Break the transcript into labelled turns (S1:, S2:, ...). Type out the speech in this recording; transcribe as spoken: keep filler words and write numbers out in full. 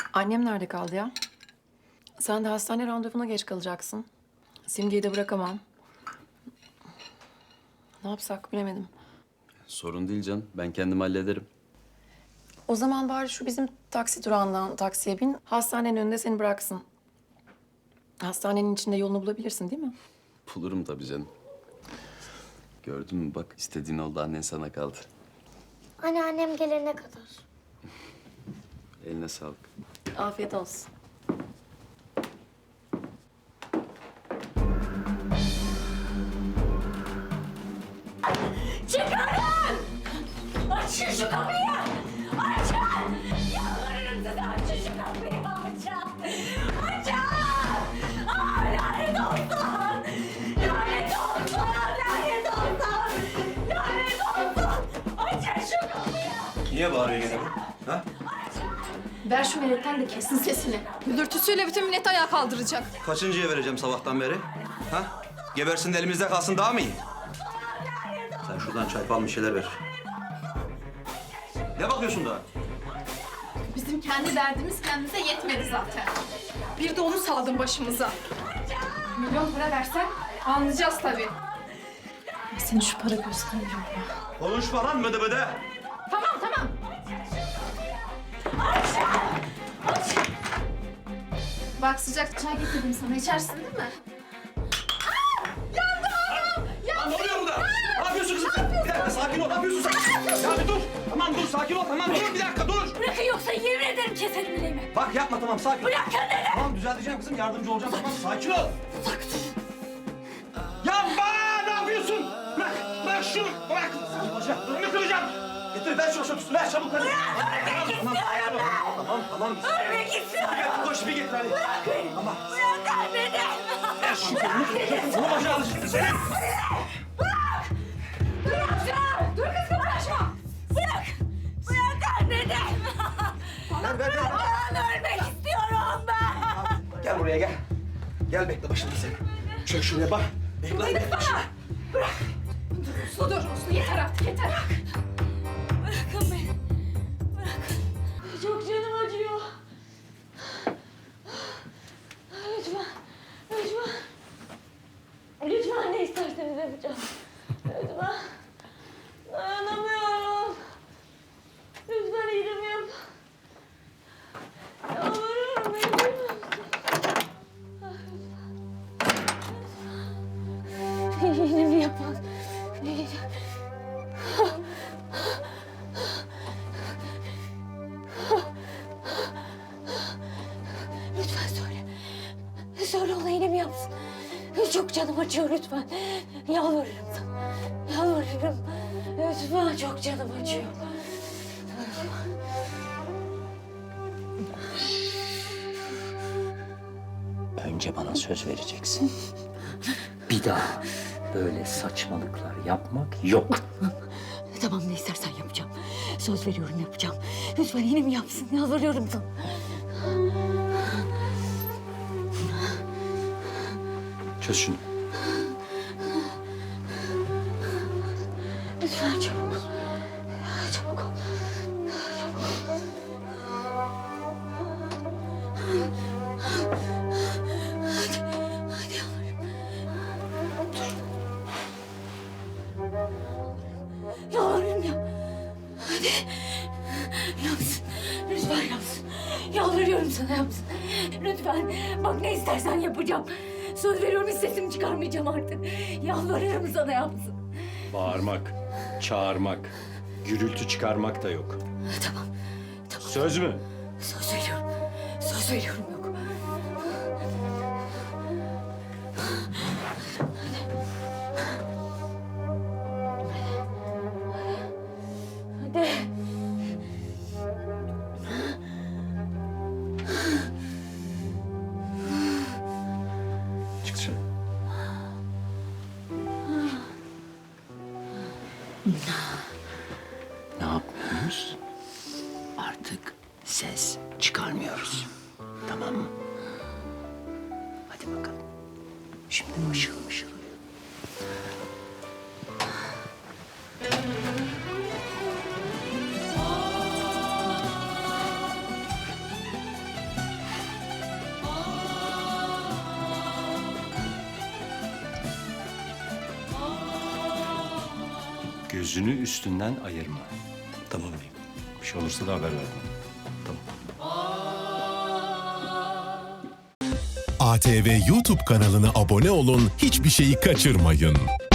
S1: Annem nerede kaldı ya? Sen de hastane randevuna geç kalacaksın. Simge'yi de bırakamam. Ne yapsak bilemedim.
S2: Sorun değil canım. Ben kendim hallederim.
S1: O zaman bari şu bizim taksi durağından taksiye bin. Hastanenin önünde seni bıraksın. Hastanenin içinde yolunu bulabilirsin değil mi?
S2: Bulurum tabii canım. Gördün mü bak istediğin oldu, annen sana kaldı.
S3: Anneannem gelene kadar.
S2: Eline sağlık.
S1: Afiyet olsun.
S4: Çıkarın! Açın şu kapıyı! Açın! Yalvarırım size açın şu kapıyı! Açın! Açın! Aa, lanet olsun! Lanet olsun! Lanet olsun! Lanet olsun! Açın şu kapıyı!
S5: Niye bağırıyor gene bu? Ha?
S6: Ver şu milletten de kessin sesini. Gülürtüsüyle bütün milleti ayağa kaldıracak.
S5: Kaçıncıya vereceğim sabahtan beri? Ha? Gebersin de elimizde kalsın daha mı iyi? Sen şuradan çay falan bir şeyler ver. Ne bakıyorsun daha?
S6: Bizim kendi derdimiz kendimize yetmedi zaten. Bir de onu saldın başımıza. Milyon para versen anlayacağız tabii.
S1: Senin şu para göstermiyor ya.
S5: Konuşma lan bıdı bıdı.
S6: Tamam tamam. Bak sıcak çay getirdim sana. İçersin değil mi?
S5: Lan ne oluyor burada? Ne yapıyorsun kızım sen? Bir dakika sakin ol. Ne yapıyorsun sen? Ya bir dur. Tamam dur sakin ol. Tamam dur bir dakika dur.
S4: Bırakın yoksa yemin ederim keserim bileğimi!
S5: Bak yapma tamam sakin ol.
S4: Bırakın dedim!
S5: Tamam düzelteceğim kızım yardımcı olacağım. Tamam sakin ol. Ya bana ne yapıyorsun? Bırak. Bırak şunu. Bırak. Hocam durunu kıracağım. Getir ver şunu şunu. Ver çabuk hadi.
S4: Ölmek istiyorum ben!
S5: Tamam tamam.
S4: Ölmek istiyorum!
S5: Gel koş bir getir hadi. Tamam.
S4: Bırakın beni!
S5: Ver şunu. Bunu başa al şimdi senin.
S4: Bırak! Dur kız kıpraşma! Bırak! Bırak dedim!
S5: Ver ver ver.
S4: Ben ölmek istiyorum ben!
S5: Gel buraya gel. Gel bekle başında sen. Çök şuraya bak. Bekle hadi bekle başında.
S6: Uslu dur uslu. Yeter artık yeter.
S4: Bırakın beni! Bırakın! Çok canım acıyor. Lütfen! Lütfen! Lütfen ne isterseniz yapacağım. Lütfen! Dayanamıyorum. Lütfen iğnemi yap. Yalvarıyorum beni duymuyor musun? Lütfen. İğnemi yapın. İğne- Lütfen söyle. Söyle ona iğnemi yapsın. Çok canım acıyor lütfen. Yalvarırım sana. Yalvarırım. Lütfen çok canım acıyor.
S7: Önce bana söz vereceksin. Bir daha böyle saçmalıklar yapmak yok.
S4: Tamam ne istersen yapacağım. Söz veriyorum yapacağım. Lütfen iğnemi yapsın. Yalvarıyorum sana.
S2: Çöz şunu.
S4: Lütfen çabuk ol. Çabuk ol. Hadi, hadi yavrum. Dur. Yavrum ya. Hadi. Yapsın. Lütfen yapsın. Yalvarıyorum sana yapsın. Lütfen. Bak ne istersen yapacağım. Söz veriyorum hiç sesimi çıkarmayacağım artık. Yalvarıyorum sana yapsın.
S8: Bağırmak, çağırmak, gürültü çıkarmak da yok.
S4: Tamam. Tamam.
S8: Söz mü?
S4: Söz veriyorum. Söz veriyorum yok. Hadi.
S2: Çık dışarı.
S7: Ne yapmıyoruz? Artık ses çıkarmıyoruz. Tamam mı? Hadi bakalım. Şimdi mışıl mışıl uyu.
S8: Gözünü üstünden ayırma.
S5: Tamam beyim.
S8: Bir şey olursa da haber ver bana.
S5: Tamam.
S9: A T V YouTube kanalına abone olun, hiçbir şeyi kaçırmayın.